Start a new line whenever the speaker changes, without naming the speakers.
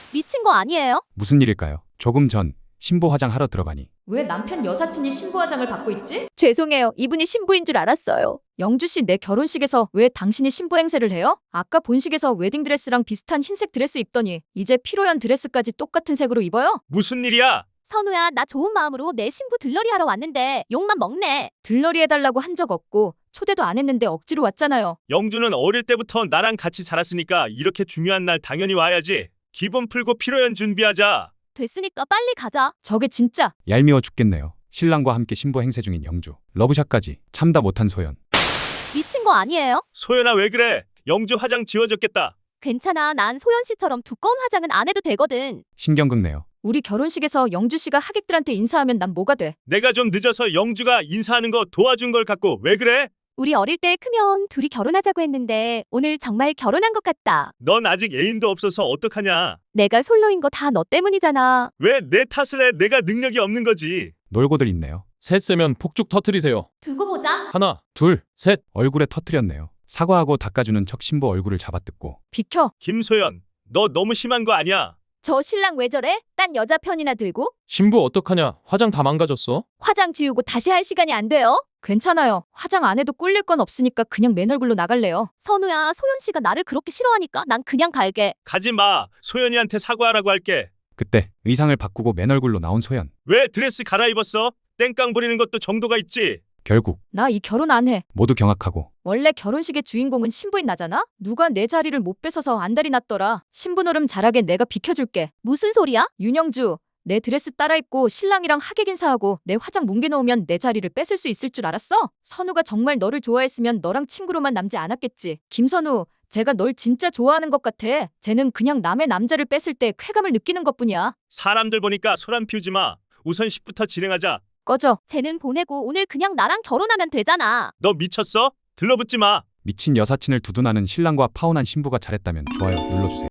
미친 거 아니에요?
무슨 일일까요? 조금 전 신부 화장하러 들어가니
왜 남편 여사친이 신부 화장을 받고 있지?
죄송해요. 이분이 신부인 줄 알았어요.
영주 씨, 내 결혼식에서 왜 당신이 신부 행세를 해요? 아까 본식에서 웨딩드레스랑 비슷한 흰색 드레스 입더니 이제 피로연 드레스까지 똑같은 색으로 입어요?
무슨 일이야?
선우야, 나 좋은 마음으로 내 신부 들러리 하러 왔는데 욕만 먹네.
들러리 해달라고 한 적 없고 초대도 안 했는데 억지로 왔잖아요.
영주는 어릴 때부터 나랑 같이 자랐으니까 이렇게 중요한 날 당연히 와야지. 기분 풀고 피로연 준비하자.
됐으니까 빨리 가자.
저게 진짜
얄미워 죽겠네요. 신랑과 함께 신부 행세 중인 영주. 러브샷까지 참다 못한 소연.
미친 거 아니에요?
소연아 왜 그래? 영주 화장 지워졌겠다.
괜찮아. 난 소연 씨처럼 두꺼운 화장은 안 해도 되거든.
신경 긁네요.
우리 결혼식에서 영주 씨가 하객들한테 인사하면 난 뭐가 돼?
내가 좀 늦어서 영주가 인사하는 거 도와준 걸 갖고 왜 그래?
우리 어릴 때 크면 둘이 결혼하자고 했는데 오늘 정말 결혼한 것 같다.
넌 아직 애인도 없어서 어떡하냐?
내가 솔로인 거 다 너 때문이잖아.
왜 내 탓을 해? 내가 능력이 없는 거지.
놀고들 있네요.
셋 세면 폭죽 터트리세요.
두고 보자.
하나, 둘, 셋.
얼굴에 터트렸네요. 사과하고 닦아주는 척 신부 얼굴을 잡아뜯고
비켜.
김소연, 너 너무 심한 거 아니야?
저 신랑 왜 저래? 딴 여자 편이나 들고?
신부 어떡하냐? 화장 다 망가졌어.
화장 지우고 다시 할 시간이 안 돼요?
괜찮아요. 화장 안 해도 꿀릴 건 없으니까 그냥 맨 얼굴로 나갈래요.
선우야, 소연 씨가 나를 그렇게 싫어하니까 난 그냥 갈게.
가지 마. 소연이한테 사과하라고 할게.
그때 의상을 바꾸고 맨 얼굴로 나온 소연.
왜 드레스 갈아입었어? 땡깡 부리는 것도 정도가 있지.
결국
나 이 결혼 안 해.
모두 경악하고
원래 결혼식의 주인공은 신부인 나잖아? 누가 내 자리를 못 뺏어서 안달이 났더라. 신부 노름 잘하게 내가 비켜줄게.
무슨 소리야?
윤영주, 내 드레스 따라 입고 신랑이랑 하객 인사하고 내 화장 뭉개놓으면 내 자리를 뺏을 수 있을 줄 알았어? 선우가 정말 너를 좋아했으면 너랑 친구로만 남지 않았겠지. 김선우, 제가 널 진짜 좋아하는 것 같아. 쟤는 그냥 남의 남자를 뺏을 때 쾌감을 느끼는 것뿐이야.
사람들 보니까 소란 피우지 마. 우선 식부터 진행하자.
꺼져.
쟤는 보내고 오늘 그냥 나랑 결혼하면 되잖아.
너 미쳤어? 들러붙지 마.
미친 여사친을 두둔하는 신랑과 파혼한 신부가 잘했다면 좋아요 눌러주세요.